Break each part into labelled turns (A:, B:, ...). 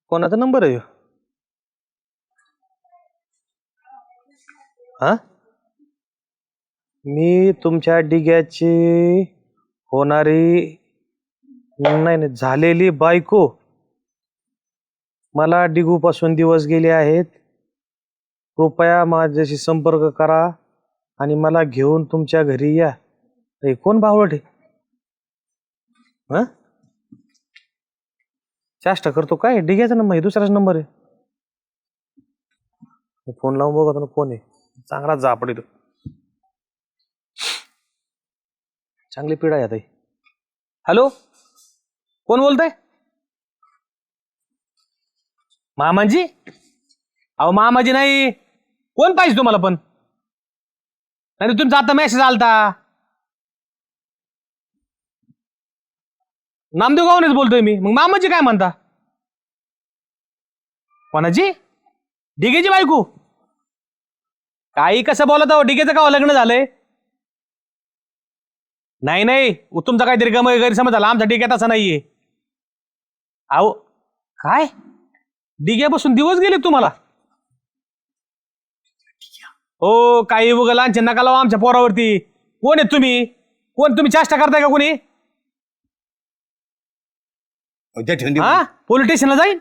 A: कोणाचा नंबर आहे ह्यो? हा मी तुमच्या डिग्याची होणारी नाही झालेली बायको. मला डिगूपासून दिवस गेले आहेत. कृपया माझ्याशी संपर्क करा आणि मला घेऊन तुमच्या घरी या. हे कोण बावळट आहे? हा चेष्टा करतो काय? डिग्याचा नंबर आहे, दुसराच नंबर आहे. फोन लावून बघतो ना कोण आहे. चांगला जापड येतो. चांगली पिढा आहे आता. हॅलो, कोण बोलतंय? मामाजी? अहो मामाजी नाही. कोण पाहिजे तुम्हाला? पण नाही तुमचा आता मेसेज आलता. नामदेव गावनेच बोलतोय मी. मग मामाजी काय म्हणता? कोणाची? डिगेची बायको? काही कसं बोलत आहो? डिगेचं का लग्न झालंय? नाही नाही, तुमचा काहीतरी गैरसमज झाला. आमचा डिग्यात असा नाहीये. अहो काय डिग्यापासून दिवस गेले तुम्हाला? हो काही उगा लांछ नका लावा आमच्या पोरावरती. कोण आहेत तुम्ही? कोण तुम्ही? चेष्टा करताय का कोणी? हा पोलीस स्टेशनला जाईन.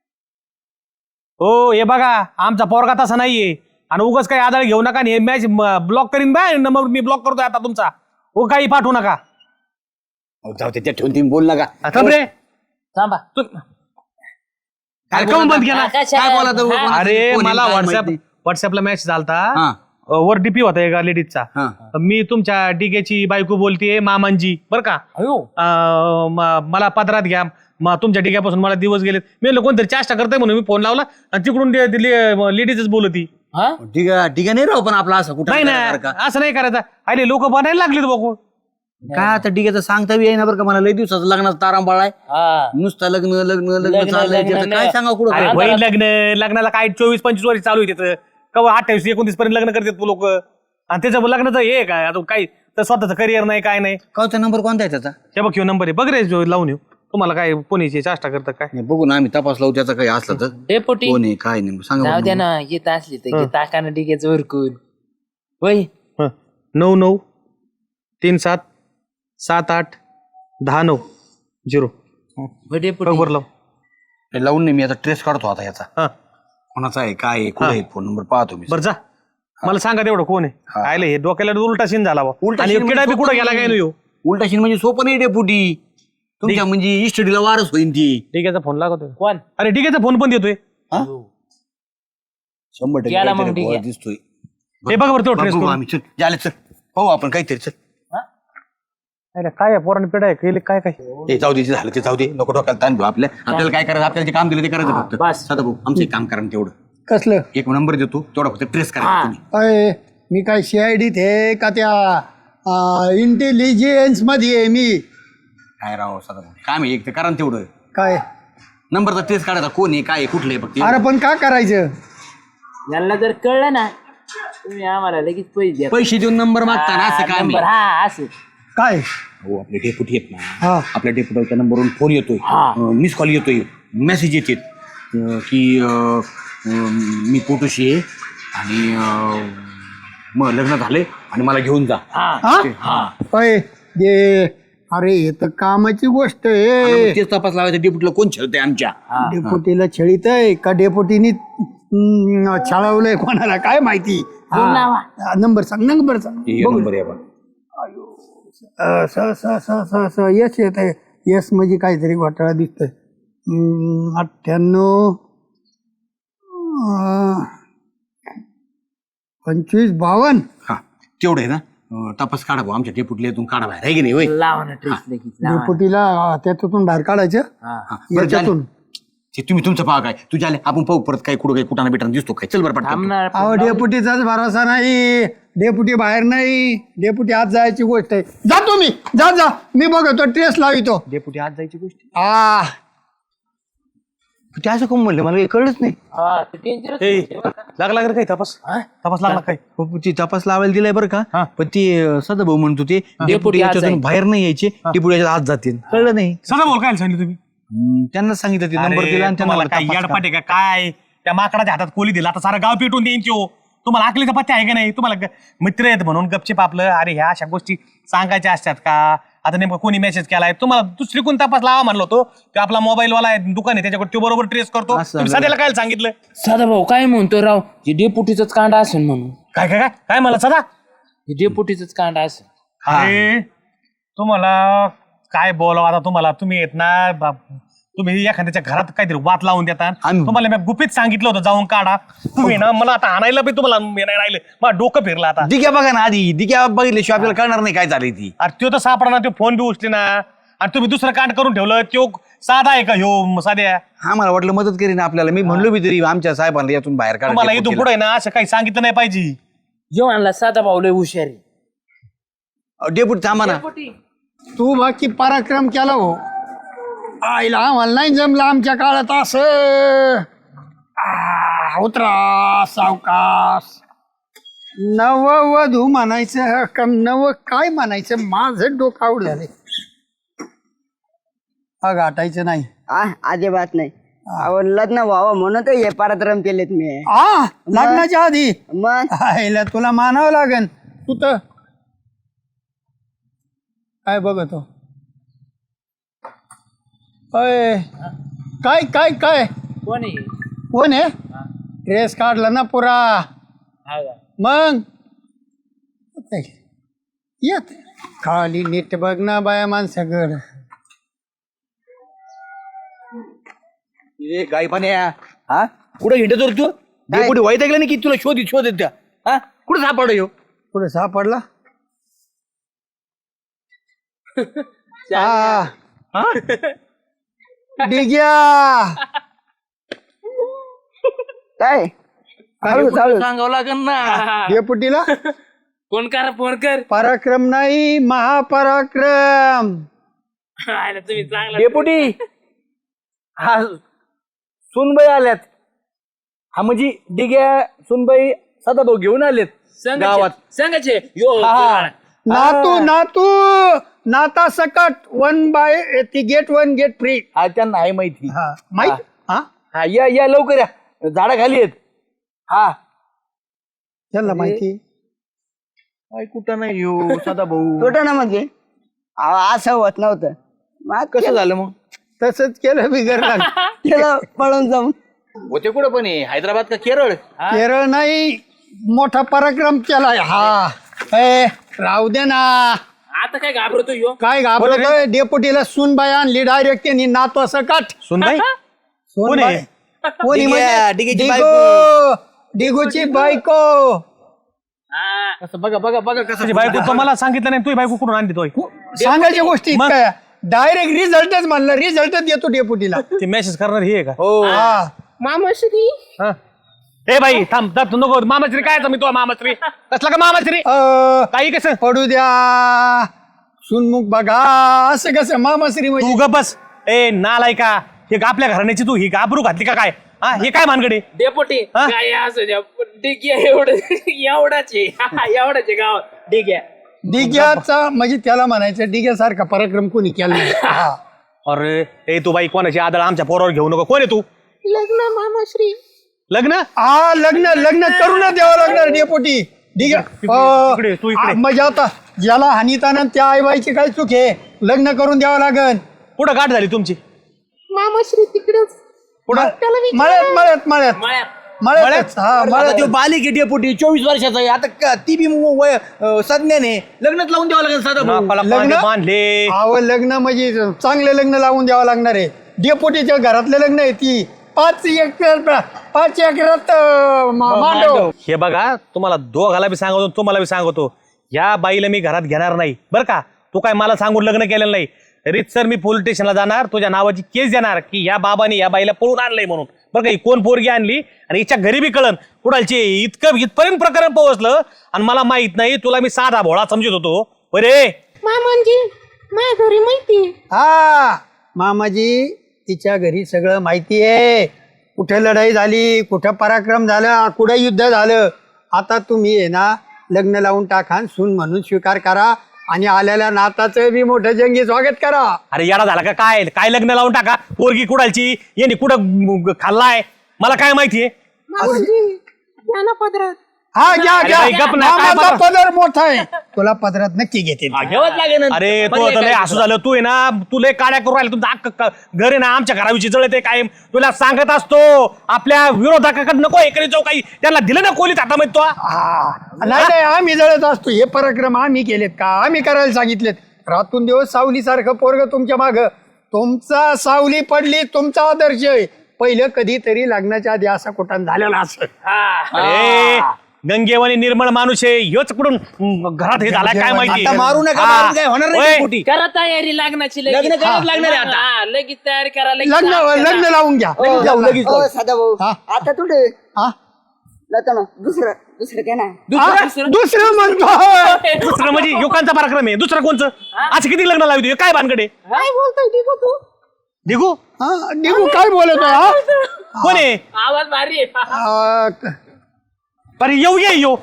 A: हो हे बघा आमचा पोरगा तसा नाहीये. आणि उगाच काही आदळ घेऊ नका. हे मॅच ब्लॉक करीन बाय. नंबर मी ब्लॉक करतोय आता तुमचा. हो काही पाठवू नका.
B: जाऊ ते ठेवून तुम्ही बोल नका.
A: रे
C: थांबा.
A: कार्यक्रम बंद केला.
B: काय बोला?
A: अरे मला व्हॉट्सअपला मेसेज आलता. वर डीपी होता एका लेडीजचा. मी तुमच्या डिगेची बायको बोलतेय मामांजी बर का. मला पदरात घ्या. तुमच्या डिग्यापासून मला दिवस गेलेत. मी कोणतरी चेष्टा करताय म्हणून मी फोन लावला आणि तिकडून लेडीजच बोलती.
B: डिगा नाही राहू पण आपला असं कुठं
A: नाही ना असं नाही करायचं. अरे लोक बनायला लागलेत बघू.
B: काय आता डिग्याचं सांगता बी येईना बरं का. मला लय दिवसाचं लग्नाचा तारांबाळ आहे. नुसतं लग्न लग्न लग्न चाललंय. काय सांगा कुठं
A: होईल लग्नाला काय 24-25 वर्ष चालू आहे त्याचं. कवा 28-29 पर्यंत लग्न करतात लोक. आणि त्याचं लग्नाचं हे काय आता काय तर स्वतःचं करिअर नाही काय नाही.
B: कावचा नंबर कोणता आहे त्याचा?
A: हे बघ ह्यो नंबर आहे. बघ रे लावून येऊ. तुम्हाला काय कोणीची चेष्टा करतं काय?
B: नाही, बघू ना आम्ही तपास लावू त्याचा काही असलं तर.
C: डेपुटी
B: कोण आहे काय नाही सांगा
C: जाऊ
B: बघू.
C: द्या ना. येत असली तर ताकाना डिगेच उरकून. होय
A: 9937781090.
C: डेपुटी
A: बरोबर लाव.
B: हे लावून नाही मी आता ट्रेस काढतो आता याचा.
A: हा
B: कोणाचा आहे काय आहे कुठे आहे फोन नंबर पाहतो मी.
A: बरं जा मला सांगा तेवढं कोण आहे. आयले हे डोक्याला उलटा सीन झाला.
B: उलटा
A: आणि
B: सीन
A: किडा बी
B: म्हणजे
A: कुठं गेला काय नाही.
B: उलटा शिन म्हणजे सोपं नाही डेपुटी. तुमच्या म्हणजे इस्टडीला वारस होईन ती.
A: डिग्याचा फोन लागतोय.
C: कोण?
A: अरे डिग्याचा फोन पण देतोय.
B: 100%
C: गेला मग
B: काहीतरी
C: डिग्या.
B: बुवा दिसतोय.
A: हे बघ बरं तो ट्रेस
B: बघू आम्ही चल झाले चल पाहू आपण काहीतरी चल.
A: काय पोराने पिढा आहे केली काय काय.
B: ते जाऊ दे झालं ते जाऊ दे नको डोक्याला ताण घेऊ. आपल्याला काय करायचं आपल्याला जे काम दिलं ते करायचं फक्त.
C: बस.
B: सदा भाऊ आमचं एक काम करा ना तेवढं.
D: कसलं?
B: एक नंबर देतो तेवढा फक्त ट्रेस करा तुम्ही.
D: अय मी काय CID आहे का त्या इंटेलिजन्स मध्ये आहे मी.
B: काय राव सदा भाऊ काय मी एक तर करा ना तेवढं.
D: काय?
B: नंबरचा ट्रेस काढायचा कोण आहे काय आहे कुठलं आहे फक्त.
D: अरे पण काय करायचं?
C: यांना जर कळलं ना तुम्ही आम्हाला लगेच पैसे द्या.
B: पैसे देऊन नंबर मागता ना असं काय मी.
C: नंबर हा असं
D: काय?
B: हो आपले डेपुटी आहेत ना.
D: हा
B: आपल्या डेपुटीच्या नंबरवरून फोन येतोय. मिस कॉल येतोय. मेसेज येते की मी पोटोशी आहे आणि मग लग्न झाले आणि मला घेऊन जा.
D: अय दे. अरे हे तर कामाची गोष्ट आहे.
B: तेच तपास लावायचं डेपुटीला कोण छळतंय आमच्या.
D: डेपुटीला छळीत आहे का डेपुटीनी छळवलंय कोणाला काय माहिती. नंबर सांग नंबर सांग.
B: नंबर आहे बघ.
D: यस येत आहे. यस म्हणजे काहीतरी घोटाळा दिसतोय. 98 2552.
B: हा तेवढं आहे ना. तपास काढा भाऊ आमच्या डेपुटीला इथून काढा बाहेर आहे की नाही. होय
C: लावा ना ट्रेस लगेच लावा.
D: डेपुटीला त्याच्यातून बाहेर काढायचं.
B: बरं,
D: याच्यातून
B: ते तुम्ही तुमचं पाहा काय तुझ्या आपण पाहू परत काय कुठं काही कुठाना बिटाना दिसतो काय. चल बरं पटकन.
C: थांबणार
D: अहो डेपुटीचाच भरोसा नाही. डेपुटी बाहेर नाही. डेपुटी आत जायची गोष्ट आहे. जातो मी. जा मी बघतो ट्रेस लावितो.
B: डेपुटी आज जायची गोष्ट.
D: ते असं कोण म्हणलं मला कळलंच नाही.
C: हा, ते dangerous
A: ए,
C: आहे बरं का.
A: लागला का रे काही तपास? तपास लागला काय?
B: ती तपास लावायला दिलाय बरं का. पण ते सदा भाऊ म्हणतो ते डेपुटी
C: डेपुटी आज
B: याच्यातून
C: जाईल.
B: बाहेर नाही यायचे. डेपुटी याच्यात आत जातील. कळलं नाही.
A: सदा बोल काय सांगितलं तुम्ही?
B: त्यांना सांगितलं ते नंबर दिला आणि
A: तुम्हाला काय
B: त्यांना
A: येडपाट आहे का काय? त्या माकडाच्या हातात कोली दिला आता सारा गाव पेटून द्यायची हो. तुम्हाला अकलीचा पत्ते आहे का नाही? तुम्हाला मित्र आहेत म्हणून गपचिप आपलं अरे ह्या अशा गोष्टी सांगायच्या असतात का? आता नेमकं कोणी मेसेज केलाय तुम्हाला दुसरी कोण तपास लावा म्हणलो होतो की आपला मोबाईलवाला आहे दुकान आहे त्याच्याकडे तो बरोबर ट्रेस करतो. तुम्ही सध्याला काय सांगितलं?
C: सदा भाऊ काय म्हणतो राव हे डेपुटीच कांड असेल म्हणून.
A: काय काय काय काय मला सदा
C: हे डेपुटीच कांड असेल.
A: अरे तुम्हाला काय बोलावं आता तुम्हाला? तुम्ही येत ना तुम्ही एखाद्याच्या घरात काहीतरी वात लावून देतात. तुम्हाला मी गुपित सांगितलं होतं जाऊन काढा. तुम्ही ना मला आता आणायला बी तुम्हाला मी नाही राहिलं. मला डोकं फिरलं आता.
B: दिग्या बघा ना आधी दिग्या बघितल्याशिवाय आपल्याला कळणार नाही काय झाली ती.
A: अरे तो तर सापडा ना, तो फोन बी उचले ना. आणि तुम्ही दुसरं कांड करून ठेवलं. तो साधा आहे का ह्यो साध्या?
B: हा मला वाटलं मदत करीन आपल्याला. मी म्हणलो बी तरी आमच्या साहेबांना यातून बाहेर काढा.
A: तुम्हाला इथून पुढे ना असं काही सांगितलं नाही पाहिजे.
C: जेवणाला साधा भाऊ लय हुशारी.
B: डेपुटी थांबा ना.
D: तू बाकी पराक्रम केला हो. आईला आम्हाला नाही जमलं आमच्या काळात असं. उतरा सावकाश. नववधू म्हणायचं का नव काय म्हणायचं? माझं डोकं आवड झाले. हा गाठायचं नाही.
E: अजिबात नाही. अहो लग्न व्हावं म्हणून तर हे पराक्रम केलेत मी.
D: लग्नाच्या आधी
E: मग
D: आईला तुला मानावं लागेल. तू तर काय बघतो? अय काय काय काय
C: कोण आहे?
D: कोण आहे? ड्रेस काढला ना पुरा.
C: हा का?
D: मग येत खाली नीट बघ ना बाया माणसाकडं.
B: गाई पाण्या हा कुठे हिंडतो रे तू? डेपुटी वाईट ऐकलं नाही की तुला शोध त्या हा कुठे सापड येऊ?
D: पुढे सापडला. हा डिग्या
E: काय
B: सांगावं लागेल ना.
D: डेपुटीला
C: फोन कर फोन कर.
D: पराक्रम नाही महापराक्रम.
C: आयला तुम्ही चांगला.
B: डेपुटी हा सुनबाई आल्यात. हा म्हणजे डिग्या सुनबाई सदाभाऊ घेऊन आलेत गावात.
C: सांगायचे यो
D: नातू नातू नाता सकट 1 बाय ती गेट 1 गेट फ्री.
B: हा त्यांना आहे माहिती.
D: माहित हा
B: हा या लवकर या झाडा खाली आहेत. हा
D: त्यांना माहिती
B: काय कुठं नाही येऊ सदाभाऊ.
E: कुठं ना म्हणजे असं होत नव्हतं. मग
B: कसं झालं मग?
D: तसंच केलं बिगर
E: केलं पळून जाऊन.
B: होते कुठं पण आहे हैदराबाद का केरळ?
D: केरळ नाही मोठा पराक्रम केलाय. हा ए राहू दे ना.
C: आता काय घाबरतो यो?
D: काय घाबरतोय? डेपुटीला सुनबाई आणली डायरेक्ट. त्यांनी नातू असं काठ.
A: सुनबाई
D: सुनबाई कोणी
B: डिग्या,
D: म्हणजे?
B: डिग्याची
D: डिगो डिगूची बायको.
B: कसं बघा कसं
A: तुझी बायको तर मला सांगितलं नाही. तुझी बायको कुठून आणली? तो
D: सांगायच्या गोष्टी काय डायरेक्ट रिझल्टच म्हणलं. रिझल्टच देतो डेपुटीला.
A: ते मेसेज करणार हे आहे का?
B: हो
D: हा
C: मामाश्री
A: हा. ए बाई थांब थांब नको. मामाश्री काय मी तो मामाश्री कसला का मामाश्री? काही कसं
D: पडू द्या. सुनमुख बघा असं कसं मामाश्री
A: तू
D: म्हणजे?
A: ग बस. ए नालाय का हे आपल्या घराण्याची तू ही गाबरू घातली का काय? हा हे काय मानगडे?
C: डेपुटी
A: हा?
C: काय असं द्या डिग्या एवढाच आहे गाव डिग्या.
D: डिग्याचा म्हणजे त्याला म्हणायचं डिग्यासारखा पराक्रम कोणी केला नाही. हा.
A: अरे ए तू बाई कोणाची आदळ आमच्या पोरावर घेऊ नको. कोण आहे तू?
E: लग्न मामाश्री.
A: लग्न?
D: हा लग्न करू ना द्यावं लागणार डेपुटी. डिग्या
A: इकडे, तू इकडे.
D: म्हणजे आता ज्याला हानिताना त्या आईबाईची काय चूक आहे? लग्न करून द्यावं लागन.
A: कुठं गाठ झाली तुमची?
E: मामाश्री तिकडेच.
D: मळ्यात हा मळ्यात.
B: तो बालिक डेपुटी 24 वर्षाचा आहे. आता ती बी संज्ञाने लग्नात लावून द्यावं लागेल सदाभाऊ.
A: नाकाला
D: लग्न?
A: कांदे बांधले.
D: अहो लग्न म्हणजे चांगले लग्न लावून द्यावं लागणार आहे. डेपुटीच्या घरातले लग्न आहे ती 5 एकरात मांडव.
A: हे बघा तुम्हाला दोघाला बी सांगतो तुम्हाला बी सांगतो. या बाईला मी घरात घेणार नाही बरं का? तू काय मला सांगून लग्न केलेलं नाही. रीतसर मी पोलीस स्टेशनला जाणार. तुझ्या नावाची केस देणार की या बाबाने या बाईला पळून आणलंय म्हणून. बरं का? ही कोण पोरगी आणली आणि हिच्या घरी बी कळन कुणालची. इथपर्यंत प्रकरण पोहोचलं आणि मला माहित नाही. तुला मी साधा भोळा समजत होतो. बरे
E: मामांजी माझ्या घरी माहिती.
D: हा मामाजी तिच्या घरी सगळं माहिती आहे. कुठे लढाई झाली, कुठं पराक्रम झाला, कुठं युद्ध झालं. आता तुम्ही आहे ना लग्न लावून टाका. सून म्हणून स्वीकार करा. आणि आलेल्या नाताचं बी मोठं जंगी स्वागत करा.
A: अरे येडा झाला का काय काय लग्न लावून टाका पोरगी कुडालची यांनी कुठं खाल्लाय मला काय माहितीये.
D: हा घ्या
A: अरे
D: घ्या
A: बाई, गप ना, काय
D: मामाचा
A: पदर?
D: पदर मोठा आहे तुला पदरात नक्की घेते.
C: घेवच लागेल
A: अरे तू आता लय असं झालं तू आहे ना तू लय काड्या करून राहिला तुमचं अख्खं घर आहे ना आमच्या घराविषयी जळते काय तुला सांगत असतो आपल्या विरोधकाकडे नको हे करीत जाऊ काही त्यांना दिलं ना कोलीत हातामध्ये तो
D: नाही नाही आम्ही जळत असतो हे पराक्रम आम्ही केलेत का आम्ही करायला सांगितलेत. रातून दिवस सावलीसारखं पोरग तुमच्या माग तुमचा सावली पडली तुमचा आदर्श आहे. पहिलं कधीतरी लग्नाच्या आधी असा कुठं झालेला असं.
A: अरे गंगेवानी निर्मळ माणूस आहे ह्योच कुठून घरात हे झालाय काय माहिती.
B: आता मारू नका,
A: हा.
B: मारून काय होणार नाही
A: ओय,
B: का पोटी?
C: करा तयारी लग्नाची लगेच.
B: लग्न करावंच लागणार आहे आता.
C: हा, लगेच तयारी करा लगेच.
D: लग्न लावून घ्या.
B: जाऊ लगेच
E: हो सदा भाऊ
D: हा?
E: आता तुझे
D: हा?
E: जातो ना दुसरं ते ना
D: हा? दुसरं म्हणतो
A: दुसरं म्हणजे युकांचा पराक्रम आहे दुसरं कोणचं आज किती लग्न लावतो काय भानकडे
C: काय बोलतोय दिगू तू?
A: दिगू
D: हा निघू काय बोलतोय हा?
A: कोण आहे
C: आवाज भारी आहे.
A: अरे येऊ ये यो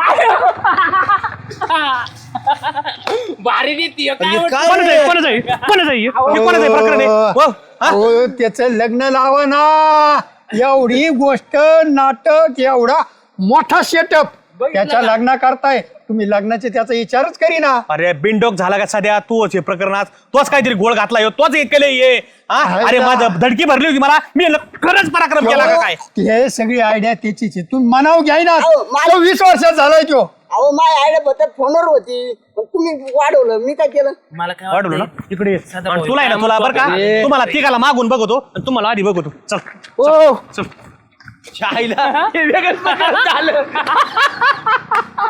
C: भारी देते काय
A: कोणाचं आहे कोणाचं आहे कोणाचं आहे हे कोणाचं आहे प्रकरण आहे हो? हा?
D: हो त्याचं लग्न लावा ना. एवढी गोष्ट नाटक एवढा मोठा सेटअप त्याच्या लग्ना करताय तुम्ही लग्नाचे त्याचा विचारच करीना.
A: अरे बिनडोक झाला का सध्या तूच हे प्रकरणात तोच काहीतरी गोळ घातला हो तोच केलं ये हा? अरे माझं धडकी भरली होती मला मी खरंच पराक्रम केला का काय
D: हे सगळी आयडिया त्याचीच आहे. तुम्ही मनाव घ्याय ना.
E: अहो, मला-
D: तो 20 वर्षात झालाय तो.
E: अहो माय आयडिया बद्दल फोनवर होती पण तुम्ही वाढवलं मी काय केलं.
C: मला काय
A: वाढवलं ना
C: वाटतंय?
A: इकडे ये.
C: सदा
A: आणि
C: भाऊ,
A: तुला आहे ना
C: काय
A: तुला बरं का
C: म्हणतो?
A: तुम्हाला तिघाला मागून बघतो आणि तुम्हाला आधी बघतो चल
D: ओ
A: चल. शाईला हे वेगळंच प्रकार झालं.